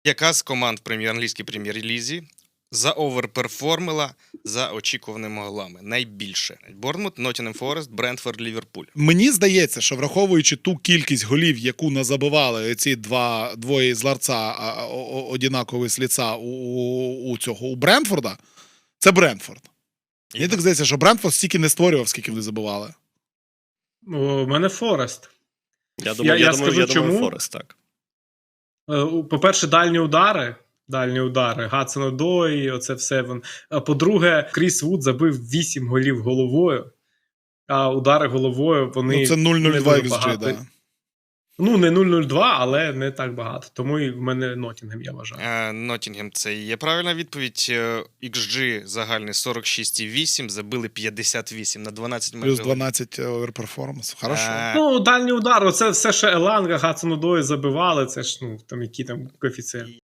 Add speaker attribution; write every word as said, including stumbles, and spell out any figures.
Speaker 1: Яка з команд в прем'єр англійській прем'єр-лізі заоверперформила за очікуваними голами? Найбільше. Борнмут, Ноттінгем Форест, Брентфорд, Ліверпуль.
Speaker 2: Мені здається, що враховуючи ту кількість голів, яку назабивали ці два двоє з ларца, а, о- однакові з ліца у, у, у цього у Брентфорда, це Брентфорд. Мені так здається, що Брентфорд стільки не створював, скільки вони забивали.
Speaker 3: У мене Форест.
Speaker 4: Я думаю,
Speaker 3: Я-
Speaker 4: я,
Speaker 3: я
Speaker 4: думаю,
Speaker 3: скажу,
Speaker 4: я думаю,
Speaker 3: чому.
Speaker 4: Форест, так.
Speaker 3: Е, По-перше, дальні удари. Дальні удари. Гадсон-Одой, оце все. вон. А по-друге, Кріс Вуд забив вісім голів головою, а удари головою вони...
Speaker 2: Ну, це нуль нуль
Speaker 3: не
Speaker 2: два
Speaker 3: дуже
Speaker 2: ікс джі,
Speaker 3: багато.
Speaker 2: да.
Speaker 3: Ну, не нуль нуль два, але не так багато. Тому і в мене Ноттінгем, я вважаю.
Speaker 1: Е, Ноттінгем – це і є правильна відповідь. Е, ікс джі загальний сорок шість і вісім, забили п'ятдесят вісім на дванадцять
Speaker 2: Плюс
Speaker 1: майже голів.
Speaker 2: дванадцять оверперформанс. Хорошо.
Speaker 1: Е,
Speaker 3: Ну, дальні удари, оце все ще Еланга, Гадсон-Одой забивали, це ж, ну, там, які там коефіцієнти.